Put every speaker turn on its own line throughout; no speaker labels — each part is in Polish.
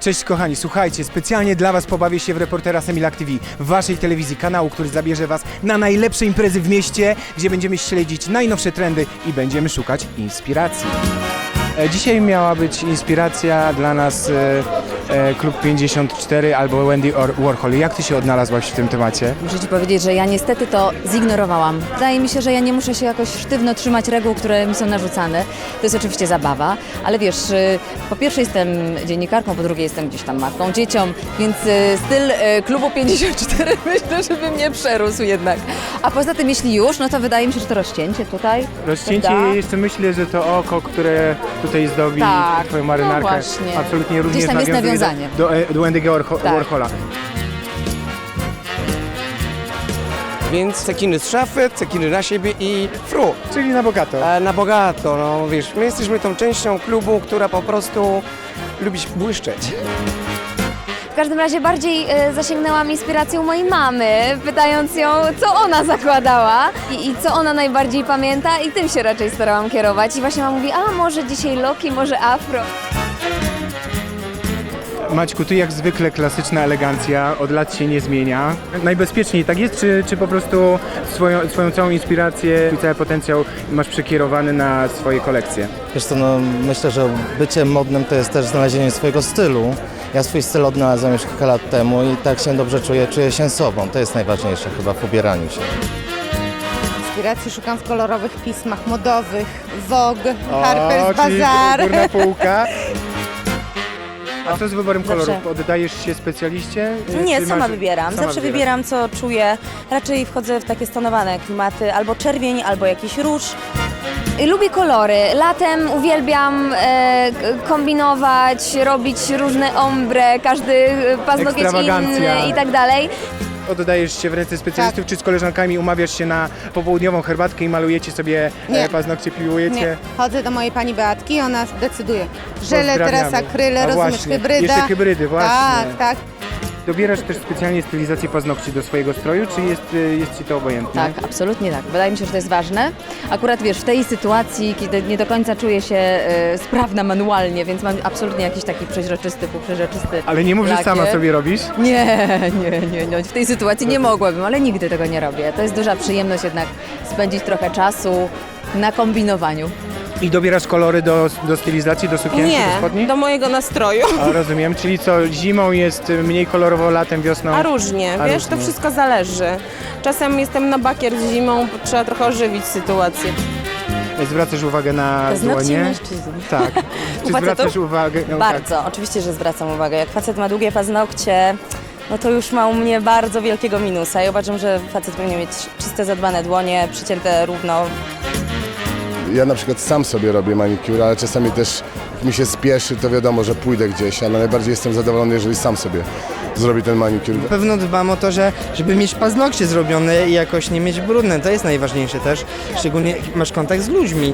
Cześć kochani, słuchajcie, specjalnie dla was pobawię się w reportera Semilac TV, w waszej telewizji, kanału, który zabierze was na najlepsze imprezy w mieście, gdzie będziemy śledzić najnowsze trendy i będziemy szukać inspiracji. Dzisiaj miała być inspiracja dla nas Klub 54 albo Wendy Warhol. Jak ty się odnalazłaś w tym temacie?
Muszę ci powiedzieć, że ja niestety to zignorowałam. Wydaje mi się, że ja nie muszę się jakoś sztywno trzymać reguł, które mi są narzucane. To jest oczywiście zabawa, ale wiesz, po pierwsze jestem dziennikarką, po drugie jestem gdzieś tam matką, dzieciom, więc styl Klubu 54 myślę, że by mnie przerósł jednak. A poza tym, jeśli już, no to wydaje mi się, że to rozcięcie tutaj.
Rozcięcie
prawda?
i jeszcze myślę, że to oko, które tutaj zdobi
Tak,
twoją marynarkę,
no właśnie.
absolutnie również
Gdzieś tam jest
nawiązuje
nawiązanie.
do Wendy'ego Warhola.
Więc cekiny z szafy, cekiny na siebie i fru.
Czyli na bogato.
Na bogato, no wiesz, my jesteśmy tą częścią klubu, która po prostu lubi błyszczeć.
W każdym razie bardziej zasięgnęłam inspiracją mojej mamy, pytając ją, co ona zakładała i co ona najbardziej pamięta, i tym się raczej starałam kierować. I właśnie mama mówi, a może dzisiaj loki, może afro.
Maćku, ty jak zwykle klasyczna elegancja, od lat się nie zmienia. Najbezpieczniej tak jest, czy po prostu swoją całą inspirację i cały potencjał masz przekierowany na swoje kolekcje?
Wiesz co, no, myślę, że bycie modnym to jest też znalezienie swojego stylu. Ja swój styl odnalazłem już kilka lat temu i tak się dobrze czuję się sobą. To jest najważniejsze chyba w ubieraniu się.
Inspiracji szukam w kolorowych pismach modowych, Vogue, Harper's
czyli
Bazaar.
górna półka. A co z wyborem
Zawsze.
kolorów? Oddajesz się specjaliście?
Nie,
Czy
sama
masz-
wybieram.
sama
Zawsze
wybierasz?
wybieram, co czuję. Raczej wchodzę w takie stonowane klimaty, albo czerwień, albo jakiś róż.
Lubię kolory. Latem uwielbiam kombinować, robić różne ombre, każdy paznokieć
Ekstrawagancja.
inny i tak dalej.
Oddajesz się w ręce specjalistów, czy z koleżankami umawiasz się na popołudniową herbatkę i malujecie sobie
Nie.
paznokcie, piłujecie?
Nie, chodzę do mojej pani Beatki i ona decyduje. Żele, teraz
Pozdrawiamy.
akryle,
A
rozumiesz,
właśnie,
hybryda.
jeszcze hybrydy, właśnie.
Tak, tak.
Dobierasz też specjalnie stylizację paznokci do swojego stroju, czy jest ci to obojętne?
Tak, absolutnie tak. Wydaje mi się, że to jest ważne. Akurat wiesz, w tej sytuacji, kiedy nie do końca czuję się sprawna manualnie, więc mam absolutnie jakiś taki półprzeźroczysty
Ale nie mów, że
lakier.
sama sobie robisz?
Nie. W tej sytuacji nie mogłabym, ale nigdy tego nie robię. To jest duża przyjemność jednak spędzić trochę czasu na kombinowaniu.
I dobierasz kolory do stylizacji, do sukienki, do spodni?
do mojego nastroju.
A, rozumiem, czyli co, zimą jest mniej kolorowo, latem, wiosną?
A różnie,
A
wiesz,
różnie.
to wszystko zależy. Czasem jestem na bakier z zimą, trzeba trochę ożywić sytuację.
Zwracasz uwagę na
Paznokcie
dłonie?
mężczyzn.
Tak. Czy
facetów?
zwracasz uwagę? No,
Bardzo, oczywiście, że zwracam uwagę. Jak facet ma długie paznokcie, no to już ma u mnie bardzo wielkiego minusa. Ja uważam, że facet powinien mieć czyste, zadbane dłonie, przycięte równo.
Ja na przykład sam sobie robię manikur, ale czasami też jak mi się spieszy, to wiadomo, że pójdę gdzieś, ale najbardziej jestem zadowolony, jeżeli sam sobie zrobię ten manikur.
Na pewno dbam o to, żeby mieć paznokcie zrobione i jakoś nie mieć brudne. To jest najważniejsze też, szczególnie jak masz kontakt z ludźmi.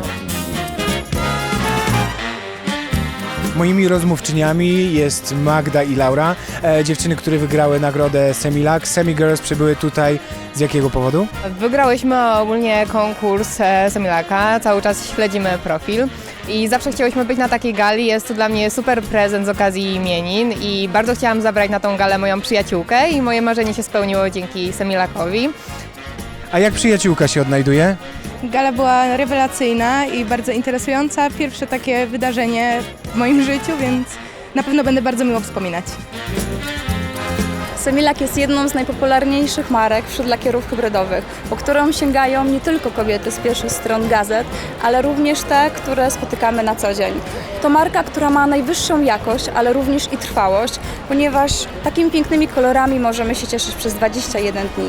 Moimi rozmówczyniami jest Magda i Laura, dziewczyny, które wygrały nagrodę Semilac. Semi Girls przybyły tutaj z jakiego powodu?
Wygrałyśmy ogólnie konkurs Semilaca, cały czas śledzimy profil i zawsze chciałyśmy być na takiej gali. Jest to dla mnie super prezent z okazji imienin i bardzo chciałam zabrać na tą galę moją przyjaciółkę i moje marzenie się spełniło dzięki Semilacowi.
A jak przyjaciółka się odnajduje?
Gala była rewelacyjna i bardzo interesująca. Pierwsze takie wydarzenie w moim życiu, więc na pewno będę bardzo miło wspominać.
Semilac jest jedną z najpopularniejszych marek wśród lakierów hybrydowych, po którą sięgają nie tylko kobiety z pierwszych stron gazet, ale również te, które spotykamy na co dzień. To marka, która ma najwyższą jakość, ale również i trwałość, ponieważ takimi pięknymi kolorami możemy się cieszyć przez 21 dni.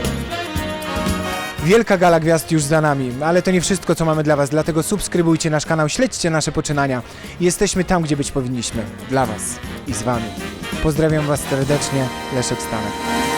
Wielka gala gwiazd już za nami, ale to nie wszystko, co mamy dla was, dlatego subskrybujcie nasz kanał, śledźcie nasze poczynania. Jesteśmy tam, gdzie być powinniśmy. Dla was i z wami. Pozdrawiam was serdecznie, Leszek Stanek.